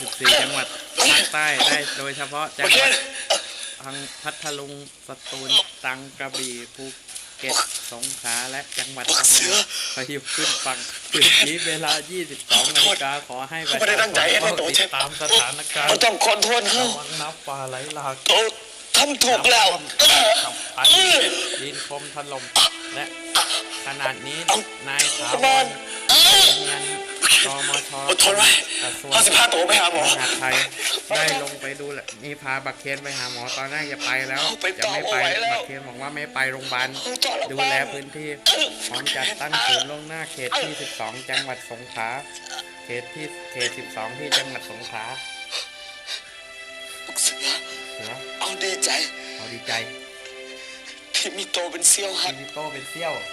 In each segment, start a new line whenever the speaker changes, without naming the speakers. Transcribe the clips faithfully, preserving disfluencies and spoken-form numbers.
สิบสี่ จังหวัดภาคใต้ได้โดยเฉพาะจังหวัดทางพัทลุงสตูลตรังกระบี่ภูเก็ตสงขลาและจังหวัดพังงาพายุขึ้นฝั่งคืนนี้เวลา ยี่สิบสอง นาฬิกาขอให้ประชาชนเฝ้าติดตามสถานการณ์ระวังน้ำป่าไหลหลาก
ทำถูกแล้ว
กับพันดินคมถล่มและขนาดนี้นายถาวรเงินรมชกระทรวง
ห้าสิบห้าตัวไปหาหมอ
มหาดไทยได้ลงไปดูแลนี่พาบักเคนไปหาหมอตอนแรกจะไปแล้วจะไม่ไปบักเคนบอกว่าไม่ไปโรงพยาบาลดูแลพื้นที่พร้อมจัดตั้งศูนย์ล่วงหน้าเขตที่สิบสองจังหวัดสงขลาเขตที่เขตสิบสองที่จังหวัดสงขลา
เสือเสือเอาดีใจ
เอาดีใจ
ที่มีโตเป็นเซี่ยวหั
ดมีโตเป็นเซี่ยว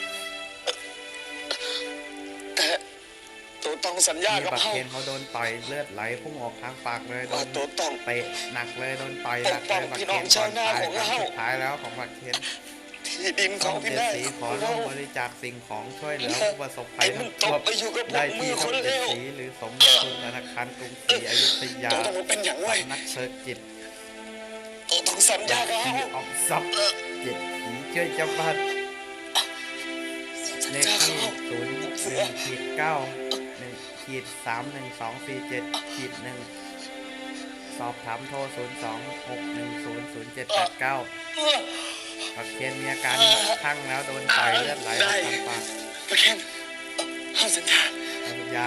แต่ตัวต้องสัญญากับ
เขาเขาโดนต่อยเลือดไหลพุ่งออกทางปากเลยโดน
ตัวต้อง
เตะหนักเลยโดนต่อยหนักเลยบักเคนก่อนตายสุดท้ายแล้วของบักเคน
ที่ดินของพี่แม่
สีขอร่วมบริจาคสิ่งของช่วยเหลือผู้ประสบภัยน้ำท่วมได้ที่ช่องเจ็ดสีหรือสมทุนธนาคารกรุงศรีอยุธยานักเชิดจิต
ตัวต้องสัญญากับเขา
ออกซับเจ็ดสีช่วยเจ้าบ้านเลขที่ศูนย์หนึ่งขีดเก้าหนึ่งขีดสามหนึ่งสองสี่เจ็ดขีดหนึ่งสอบถามโทรศูนย์สองหกหนึ่งศูนย์ศูนย์เจ็ดแปดเก้าบักเคนมีอาการคลั่งแล้วโดนต่อยเลือดไหลออกทางปาก
บักเคนห้ามสัญญา
ห้ามสัญญา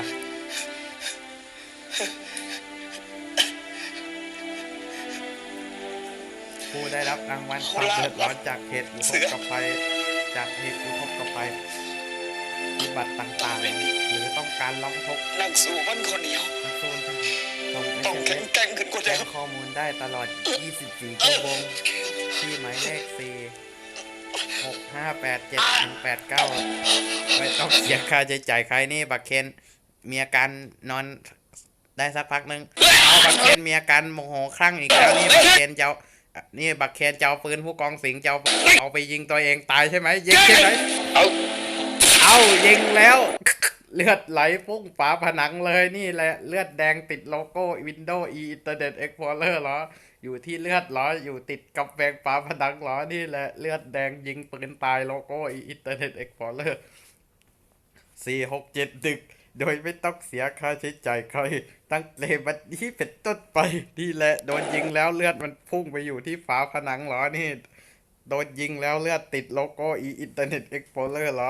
ผู้ได้รับรางวัลความเดือดร้อนจากเหตุอุทกภัยจากเหตุอุทกภัยวิบัติต่างๆหรือต้องการร้องทุกข์
นักสู้มันคนเดียว
ต้อง
แข็งแกร่งขึ้นกว่าเดิม
ข้อมูลได้ตลอดยี่สิบสี่ชั่วโมงที่หมายเลขสี่ หก ห้า แปด เจ็ด หนึ่ง แปด เก้าไม่ต้องเสียค่าใช้จ่ายใครนี่บักเคนมีอาการนอนได้สักพักนึงเอาบักเคนมีอาการโมโหคลั่งอีกแล้วนี่บักเคนเจ้านี่บักเคนเจ้าปืนผู้กองสิงเจ้าเอาไปยิงตัวเองตายใช่ไหมยิงใช่ไหมเอาเอายิงแล้วเลือดไหลพุ่งฝาผนังเลยนี่แหละเลือดแดงติดโลโก้ Windows E Internet Explorer เหรออยู่ที่เลือดเหรออยู่ติดกับแบงฝาผนังเหรอนี่แหละเลือดแดงยิงปืนตายโลโก้ E Internet Explorer สี่ หก เจ็ด ดึกโดยไม่ต้องเสียค่าใช้จ่ายใครตั้งแต่บัดนี้เป็นต้นไปนี่แหละโดนยิงแล้วเลือดมันพุ่งไปอยู่ที่ฝาผนังเหรอนี่โดนยิงแล้วเลือดติดโลโก้ E Internet Explorer เหรอ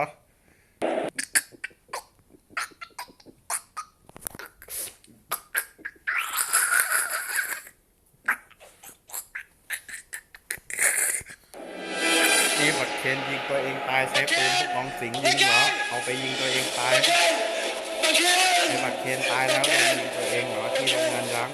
นี่บักเคนยิงตัวเองตายใช้ปืนผู้กองสิงยิงเหรอเอาไปยิงตัวเองตายไอ้บักเคนตายแล้วเลยยิงตัวเองเหรอที่โรงงานร้าง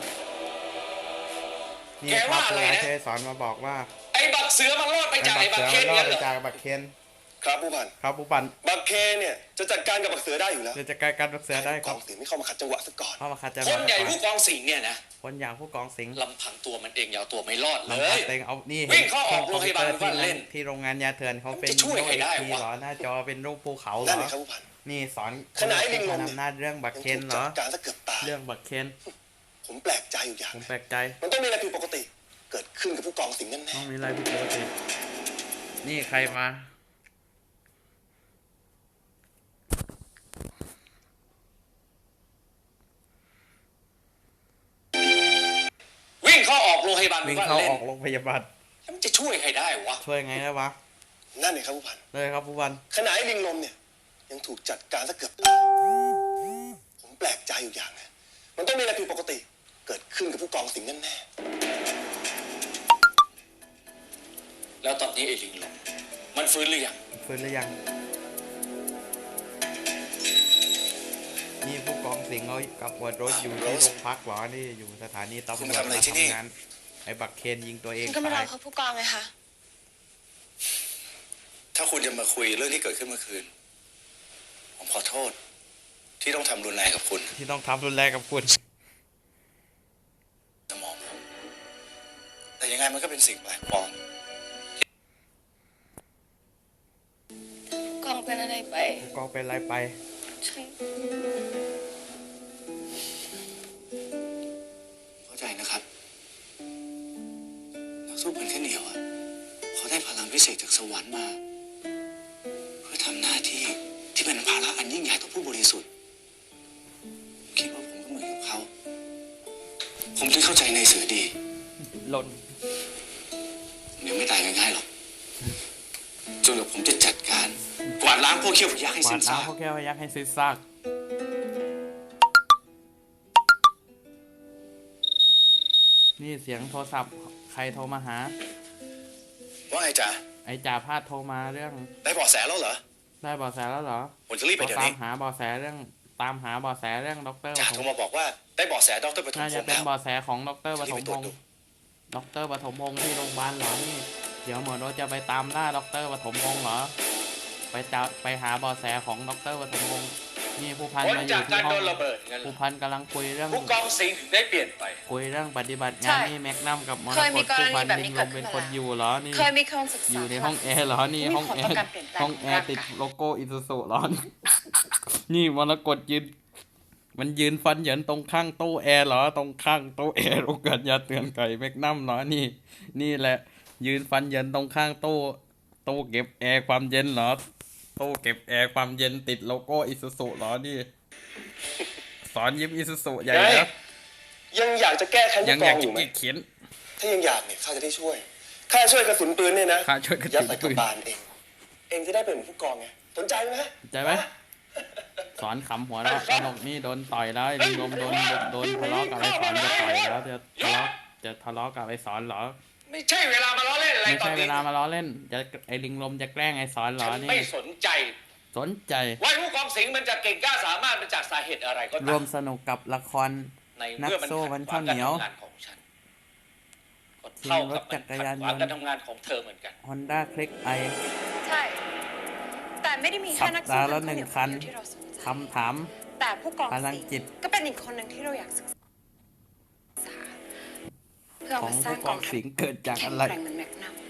นี่พระผู้ร้ายเทสอนมาบอกว่า
ไอ้บักเสือมันรอดไปจากไอ้บักเคน
รอดไปจากบักเคน
ครับผู้พัน
ครับผู้พัน
บักเคนเนี่ยจะจัดการกับบักเสือได้อยู่แล้ว
จะจัดการกับบักเสือได้ครับ
กองสิงไม่เข้ามาขัดจังหวะซะก่อน
เข้ามาขัดจังห
วะคนใหญ่ผู้กองสิงเนี่ยนะ
คนอย่างผู้กองสิง
ลำพังตัวมันเองยาวตัวไม่รอดเลย
ลำพังเองเอานี่
วิ่งเข้าออกโรงพยาบาลที่เล่น
ที่โรงงานยาเถื่อนเขาเป็นโน้ตทีหรอหน้าจอเป็นรูปภูเขาเหรอนี่สอน
ขณะลิงลม
อำนาจเรื่องบักเคนเหรอเรื่องบักเคน
ผมแปลกใจอยู่อย่าง
ผมแปลกใจ
มันต้องมีอะไรผิดปกติเกิดขึ้นกับผู้กองสิงห์นั่นแน่
ต้องมีอะไรผิดปกตินี่ใครมา
วิ่งเข้าออกโรงพยาบาล
วิ่งเข้าออกโรงพยาบาล
มันจะช่วยใครได้วะ
ช่วยไงได้วะ
นั่นเลยครับผู้พัน
เลยครับผู้พัน
ขณะไอ้ลิงลมเนี่ยยังถูกจัดการซะเกือบผมแปลกใจอยู่อย่างนะมันต้องมีอะไรผิดปกติเกิดขึ้นกับผู้กองสิงห์นั่นแน่แล้วตอนนี้ไอ้ลิงลมมันฟื้นหรือยัง
ฟื้นหรือยังนี่ผู้กองสิงห์เขากับหัวรถอยู่ที่โรงพักหรอนี่อยู่สถานีตำรวจมาทำงานไอ้บักเคนยิงตัวเอง
ก็ไม่รอเขาผู้กองไงคะ
ถ้าคุณจะมาคุยเรื่องที่เกิดขึ้นเมื่อคืนผมขอโทษที่ต้องทำรุนแรงกับคุณ
ที่ต้องทำรุนแรงกับคุณ
สมองแต่ยังไงมันก็เป็นสิ่งแปลกปลอม
กองเป็นอะไรไป
กองเป็นอะไรไป
ใช่
เสกจากสวรรค์มา เพื่อทำหน้าที่ที่เป็นภาระอันยิ่งใหญ่ต่อผู้บริสุทธิ์ผมคิดว่าผมก็เหมือนกับเขา ผมถึงเข้าใจในเสือดี
หล่น
เดี๋ยวไม่ตายง่ายๆหรอกจนกว่าผมจะจัดการกวาดล้างพวกเขี้ยวพยักให้
กวา
สิ้
ด
น
ล้า
ซาง ก
พวกแก้วพยักให้สิ้นซากนี่เสียงโทรศัพท์ใครโทรมาหา
ว่าไงจ๊ะ
ไอ้จ่าพาดโทรมาเรื่อง
ได้เบาะแสแล้วเหรอ
ได้เบาะแสแล้วเหรอ
ผมจะรีบไป
เขา
เดี๋ยว
ตาม
นี้
หาเบาะแสเรื่องตามหาเบาะแสเรื่องด็อกเตอร์ป
จ่า
ฐ
โทร
ม
มาบอกว่าได้เบาะแสดรปฐม
น่า
พ
จะ
งษ์
เป็น
แล้ว
เบาะแสของด็อกเตอร์ป
จะ
ฐ
รีบ
ม
ไปต
พ
รวจ
ง
ดู
ษ์ด็อกเตอร์ปฐมพงษ์ที่โรงพยาบาลเหรอนี่เดี๋ยวหมอโนตจะไปตามล่าด็อกเตอร์ปฐมพงษ์เหรอไปจะไปหาเบาะแสของด็อกเตอร์ปฐมพงษ์นี่ผู้พัน
ผล
มาอ
จา
ยู่
กกา
ที่
ร
ห้อ
โด
ง
นระเบิดงั้นเหร
ผู้
อ
พันกำลังคุยเรื่อง
ผู้กองสิงห์ถึงได้เปลี่ยนไป
คุยเรื่องปฏิบัติ
ใช่
งานนี่แม็กนัมกับมร
เคย
ก
มี
ต
กร
ผู้
ณี
พัน
แบบ
ลิ
นี้
ง
เกิ
ล
ด
ม
ขึ้
เป็น น
มา
คน
แล้ว
อยู่เหรอนี่
เคยมีคนศึกษา
อยู่ในห้องแอร์เหรอนี่
มี
ห้อง
ผล
แอ
ต่อ
ร์
การเปลี่ยนแปลง
ห้องแอร์
ของร่างกาย
ติดโลโก้อิซูซุเหรอ นี่มรกตยืนมันยืนฟันเหยินตรงข้างตู้แอร์เหรอตรงข้างตู้แอร์โรงกันยาเตือนไก่แม็กนัมเหรอนี่ นี่แหละ ยืนฟันเหยินตรงข้างตู้ตู้เก็บแอร์ความเย็นเหรอตู้เก็บแอร์ความเย็นติดโลโก้อิซูซุเหรอนี่ สอนยิ้มอิซูซุใหญ่
ไง
นะ
ยังอยากจะแก้แค้น
ยั
ผู้
ง
ก
อ
อย
าก
งอ
จะ
ยู่ไหม
เขียน
ถ้ายังอยากเนี่ยข้าจะได้ช่วยข้าช่วยกระสุนปืนเนี่ยนะ
ข้าช่วยกระสุน
ยัดใส่ก
ปื
ระ
น
บาลเอง เองจะได้เป็นเหมือนผู้กองไงสนใจไหม
ใจไหมสอนขำหัวเราะตลกนี่โดนต่อยแล้วลิงลมโดนโดนทะเลาะกับไอ้สอนจะต่อยแล้วจะทะเลาะจะทะเลาะกับไอ้สอนเหรอ
ไม่ใช่เวลามาล้อเล่นอะไร
ไม่
ตอน
ใช่เว
นี้
ลามาล้อเล่นจะไอ้ลิงลมจะแกล้งไอ้สอนเหรอ
ฉัน
นี่
ไม่สนใจ
สนใจ
ว่าผู้กองสิงห์มันจะเก่งกล้าสามารถมาจากสาเหตุอะไรก็
ร
ตาว ม
มสนุกกับละคร
ใน
นัก
เมื่อมัน
สู้
ขั
วั
ด
น
ขวา
ข้าง วเหนียว
การทำงานของฉันก็เท่ากับมัน
ขี่รถจักร
ขัด
ยาน
ขวาง
ยนต์
การทำงานของเธอเหมือนกัน
Honda Click i
ใช่ แต่ไม่ได้มี
สั
แค่
ป
นัก
ดา
สู้
ห์ละ
ทาง
หนึ่ง
เดียว
คัน
ที่เราสนใจ
คำถาม
แต่ผู้กอง
พลัง
สิงห์
จิต
ก็เป็นอีกคนหนึ่งที่เราอยากศึกษาเพื่อ
ขอ
มาง สร้า
ผู้
ง
ก
ก
อ
อง งทัพ
สิงห์เกิดจาก
แข็
อะ
ง
ไร
แกร่งเหมือนแม็กนัม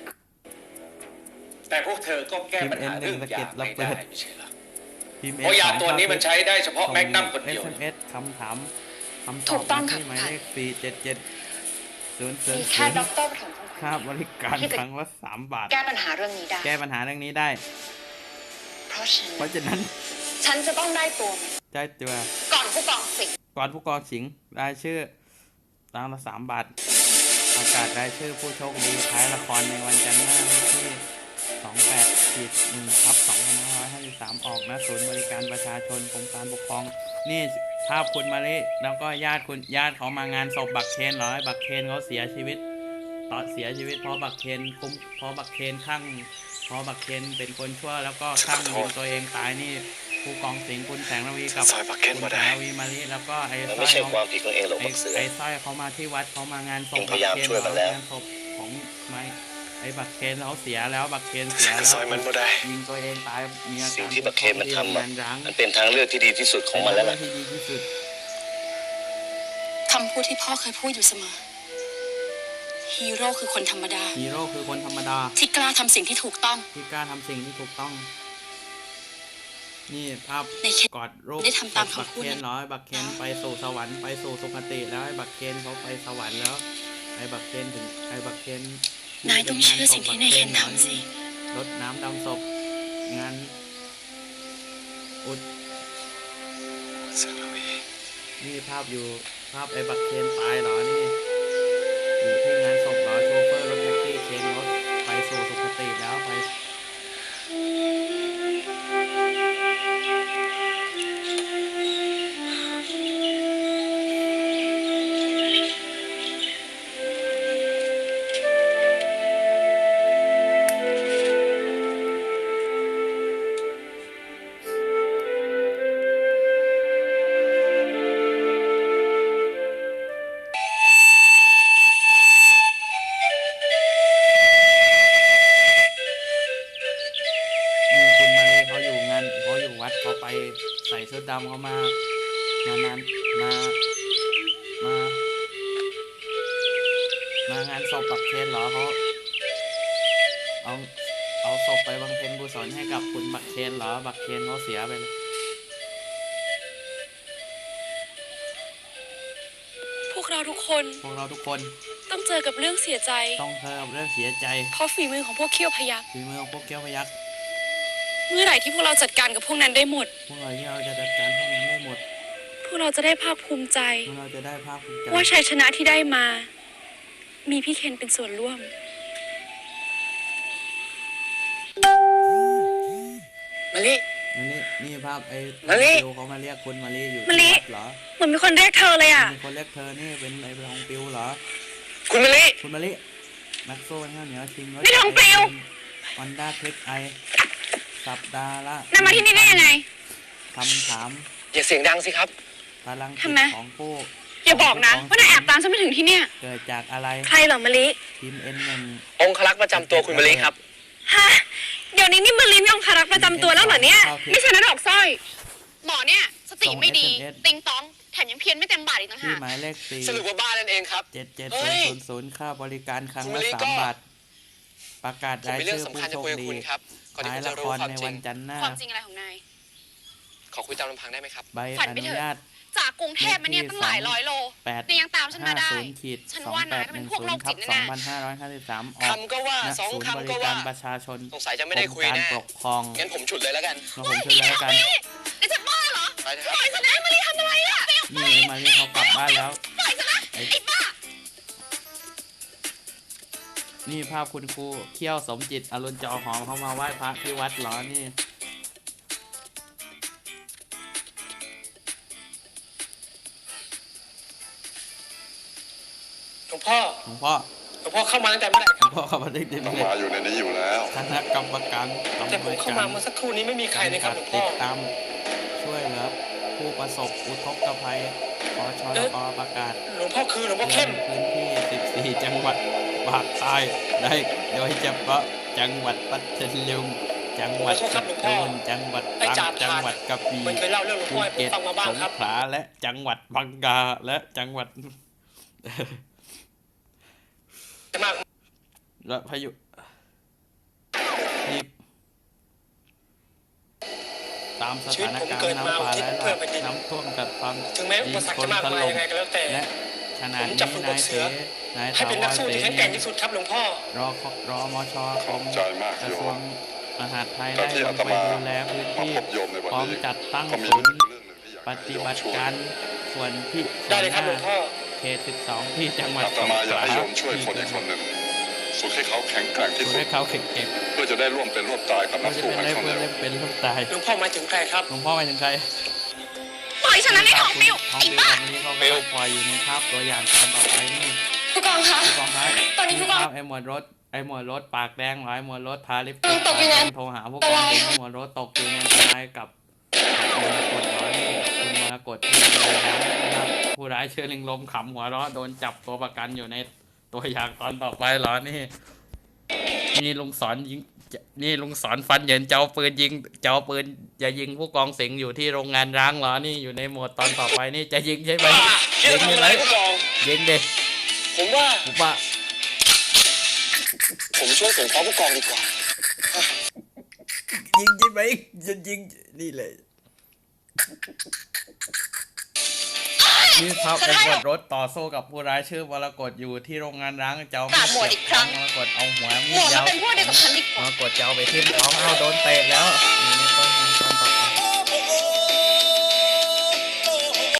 แต่พวกเธอก็แก้ปัญหา
ทีม
เรื่อง
เอ็นหนึ่ง
ยา
สะเก็ดระ
ไม่
เบิ
ได้
ด
ไม่ใช่เหรอ
พิมพ์
เพราะยาตัวนี้มันใช้ได้เฉพาะแม็กนัมคนเดียว
เอส เอ็ม เอส คำถามคำต
ถู
อบ
กต้อง
มา
ค่ะ
ที่หมายเลขสี่เจ็ดเจ็ดศูนย์ศูน
มี
ย์
แค่
ศูน
ด็อก
ย์
เตอร์ปฐมพงศ์
ค่าบริการครั้งละสามบาท
แก้ปัญหาเรื่องนี้ได้
แก้ปัญหาเรื่องนี้ได้
เพราะฉะ
เพ
นั้น
ราะฉะนั้น
ฉันจะต้องได้ตัวมัน
ได้ตัว
ก่อนผู้กองสิงห์
ก่อนผู้กองสิงห์รายชื่อตังละสามบาทประกาศรายชื่อผู้โชคดีท้ายละครในวันจันทร์หน้าวันที่สองแปดขีดหนึ่งทับสองพันห้าร้อยห้าสิบสามออกนะศูนย์บริการประชาชนกรมการปกครอง นี่ภาพคุณมาลิแล้วก็ญาติคุณญาติเขามางานศพบักเคนเหรอบักเคนเขาเสียชีวิตตอนเสียชีวิตเพราะบักเคนคุ้มเพราะบักเคนข้างเพราะบักเคนเป็นคนชั่วแล้วก็ข้างยิงตัวเองตายนี่ผู้กองสิงห์คุณแสงระวีกับ
ซอยบักเคน
คุณ
มา
แส
ได้
งระวีมาลิแล้วก็ไอ้
มัน
สร้
ไม่
อย
ใช่
เขา
ความผิดของเองหรอก
ไอ้
บักเสือ
ไอ้สร้อยเขามาที่วัดเขามางานศพ
เองพยายาม
บักเคน
ช่วยมันแล้ว
งานศพของไม่ไอ้บักเคนเขาเสียแล้วบักเคนเสียแล้ว
ซอยมันบ่ได้
ยิงตัวเองตายมีอาการ
สิ่งที่บักเคนมันทำ
งา
อะ
นร้าง
มันเป็นทางเลือกที่ดีที่สุดของมันแล้วล่ะ
ที่ดีที่สุด
คำพูดที่พ่อเคยพูดอยู่เสมอ ฮีโร่คือคนธรรมดา
ฮีโร่คือคนธรรมดา
ที่กล้าทำสิ่งที่ถูกต้อง
ที่กล้าทำสิ่งที่ถูกต้อง นี่ภาพ
ในเคน
กอดรูป
ได้ทำตาม
บัก
คำพูด
เคน
นั้น
ร้อยบักเคนไปสู่สวรรค์ไปสู่สุคติแล้วไอ้บักเคนเขาไปสวรรค์แล้วไอ้บักเคนถึงไอ้บักเคน
นายต้องเชื่อสิ่งที่นายเคนทำสิ
รดน้ำดำศพงานอุดนี่ภาพอยู่ภาพไอ้บักเคนตายเหรอนี่อยู่ที่งานศพเหรอโชเฟอร์รถแท็กซี่เคนรถไปสู่สุคติแล้วไป นี่คุณมาเลยเขาอยู่งานเขาอยู่วัดเขาไปใส่ชุดดำเขามามานานมา มา มางานศพบักเคนเหรอเขาเอาเอาศพไปบำเพ็ญกุศลให้กับคุณบักเคนเหรอบักเคนเขาเสียไปแล้ว
พวกเราทุกคน
พวกเราทุกคน
ต้องเจอกับเรื่องเสียใจ
ต้องเจอกับเรื่องเสียใจ
เพราะฝีมือของพวกเขี้ยวพยัก
ฝีมือของพวกเกี้ยวพยัก
เมื่อไหร่ที่พวกเราจัดการกับพวกนั้นได้หมด
พวกเราที่เราจะจัดการพวกนั้นได้หมด
พวกเราจะได้ภาคภูมิใจ
พวกเราจะได้ภาคภูมิใจ
ว่าชัยชนะที่ได้มา มีพี่เคนเป็นส่วนร่วม
มาลิ
นี่นี่ภาพไอ้
มะลิ
ปิวเขามาเรียกคุณมาลีอยู่
มะลิ
ที่วัดเหรอ
เหมือนมีคนเรียกเธอเลยอ่ะ
มีคนเรียกเธอนี่เป็นไอ้ทองปิวเหรอ
คุณมาลิ
คุณมาลีแม็กโซ่ข้าวเหนียวชิงรถ
นี่ทองปลิว
ฮอนด้าคลิกไอสัปดาห์ละ
นำมาที่นี่ได้ยังไง
คำถาม
อย่าเสียงดังสิครับ
พลังจิ
ทำ
ต
ไม
ของผู้
อย่าบอกนะว่านายแอบตามฉันมาถึงที่เนี่ย
เกิดจากอะไร
ใครเหรอมะลิ
ทีมเอ็นหนึ่ง
องคลักษ์ประจำตัวคุณมาลิครับ
ฮะ เดี๋ยวนี้นี่มะลิมีองคารักษ์ประจำตัวแล้วเหรอเนี่ย ไม่ใช่นะดอกสร้อย
หมอเนี่ย สติไม่ดี
ส่ง เอส เอ็ม เอส
ติงตอง แถมยังเพี้ยนไม่เต็มบาทอีกต่าง
ที่
หาก
หมายเลขสี่
สรุปว่าบ้านนั่นเองครับ
เจ็ดเจ็ด
เฮ้
ศูน
ย
ย์ศูนย์ศูนย์ค่าบริการครั้ง
คุณ
ละ
มะลิ
สา
ก็
มบาท ประกาศ
ผม
ราย
มีเรื่อ
ชื่
ง
อผู้
สำคัญ
โช
จะ
ค
คุยกับ
ดี
คุณครับก่อนที่
ท้าย
คุณ
ละ
จะ
ค
รู้
ร
ความ
ใน
จริ
วั
ง
นจันทร์หน้า
ความจริงอะไรของนาย
ขอคุยตามลำพังได้ไหมครับ
ใบ
ฝัน
อ
ไป
นุ
เถอะ
ญาต
จากกรุงเทพมาเนี่ยตั้งหลายร้อยโล
แปด
นายยังตามฉันมาได้
ศูนย์ขีด
ฉัน
สอง
ว่า
แป
นาย
ด
ก็
ห
เป็
นึ่
น
ง
พวก
ศู
โร
น
ค
ย์ทั
จิ
บ
ต
สอง
แน่
พันห้าร้อยห้าสิบสามออก
คำก็ว่า
ณ
สอง
ศูนย์
คำ
บ
ก็
ริ
ว่า
การประชาชน
สงสัยจะไม่ได้คุย
กรม
แน่
การปกครอง
งั้นผมฉุดเลยแล้วกัน
เราผมช่วยแล้วกัน
ๆนี่จะบ้าเหรอ
ไปเถอะ
ปล่อยฉันนะมารีทำอะไรอ่ะ
นี่ไอ้มารีเขากลับบ้านแล้ว
ปล่อยฉันนะ
ไอ้
ไอ้บ้า
นี่ภาพคุณครูเขี้ยวสมจิตอรุณจอหอมเขามาไหว้พระที่วัดเหรอนี่
หลวงพ่อ
หลวงพ่อ
หลวงพ่อเข้ามาตั้งแต่เมื่อไหร่
หลวงพ่อเข้ามาได้ดี
ต้อง
เลย
มาอยู่ในนี้อยู่แล้ว
คณะกรรมการตำ
แต่
ร
ผ
ว
ม
จ
เข้า
การ
มาเมื่อสักครู่นี้ไม่มีใครเลยครับหลวงพ่
ติ
อ
ดตามช่วยเหลือผู้ประสบอุทกภัยขอชออประกาศ
หลวงพ่อคือหลวงพ่อ
เตือ
เข้
น
ม
พื้นที่ สิบสี่ จังหวัดภาคใต้ได้โดยเฉพาะจังหวัดพัทลุงจังหวัดสตูลจังหวัดตรังจังหวัดกระบี่
มันเคยเล่าเรื่องหลวง
ภู
พ่อให้ผม
เก็ต
ฟังมาบ้าง
ส
ครั
ง
บ
ขลาและจังหวัดพังกาและจังหวัด
จะมาก
และพายุที่ตามสถานการณ์น้ำป่าและน้ำท่วมกับความ
ถึงแม้อุปสรรคจะมากมายยังไงก็แล้วแต่
และขณะ
ผม
นี้
จะฝึกบ
นาย
ท
เส
เสือ
นาย
ให้
ถา
เป็น
ว
นัก
ร
สู้
เส
ที่แข็ง
นี
แกร่งที่สุดครับหลวงพ่อ
รอรอมชก
ข
ร
อบ
ม
ใจมาก
กระ
โย
ทรว
ม
งมหาดไทย
กา
ได้
รที่
ล
อาง ต
ไป
มา
ดูแลพื้น
มา
ที่
พบโยมในวัน
พร้อม
นี้
จัดตั้ง
ก็มี
ศูนย์
เรื่องหนึ่งที่อยาก
ป
ให้
ฏิ
โยม
บัติ
ช่วย
การส่วนที่
ได้เลยครับหลวงพ่อ
เขตสิบสองที่จังหวัด
อาตมาอยากให้โยมช่วยคนอีกคนหนึ่งฝึกให้เขาแข็งแกร่งที่
ฝึก
สุด
ให้เขาเก่ง
เพื่อจะได้ร่วมเป็นร่วมตายกับ
ๆ
นั
เขา
ก
จะ
สู้
เป็น
ให้
ได้
เขา
เพื่อ
เร็
เล่
วน
เป็นลูกตาย
หลวงพ่อหมายถึงใครครับ
หลวงพ่อไปถึงใคร
ปล่อยฉันนะนี่ของปิว
ของ
ไอ้
ปิว
บ้า
ของนี้เขาก็ปล่อยอยู่ในภาพตัวอย่างตอนต่อไปนี่
ผู้กองคะ
ผู้กองครับ
ตอนนี้ผู้กอง
ภาพไอ้หมวดรถไอ้หมวดรถปากแดงหรอไอ้หมวดรถพาลิฟต์
อืมตกอยู่ใน
โทรหาผู้กอง
อะไร
ไอ้หมวดรถตกอยู่ในอันตรายกับมรกตร้อยนี่กับคุณมรกตที่โดนน้ำนะครับผู้ร้ายเชื้อลิงลมขำหัวเราะโดนจับตัวประกันอยู่ในตัวอย่างตอนต่อไปเหรอนี่นี่ลุงสอนยิงนี่ลุงสอนฟันเหยินเจ้าปืนยิงเจ้าปืนจะยิงผู้กองสิงห์อยู่ที่โรงงานร้างเหรอนี่อยู่ในโหมดตอนต่อไปนี่จะยิงใช่ไหม
คิดจะทำอะไรผู้กอง
ยิงเด็ก
ผมว่า
ผมว่า
ผมช่วยสงเคราะห์ผู้กองดีกว่า
ยิงใช่ไหมจะยิงนี่เลยนี่ครับไอ้บทรถต่อสู้กับผู้ร้ายชื่อวรกฏอยู่ที่โรงงานร้างเจ้ามีดเสียบท้องวรกฏเอาหัวมี
หม
ด
วด
ยาว
มาเป็นพวกเดียวกับฉันดีก
ว
ว่า
รกฏจะเอาไปทิ่มท้องเอาโดนเตะแล้วนี่ต้นไม้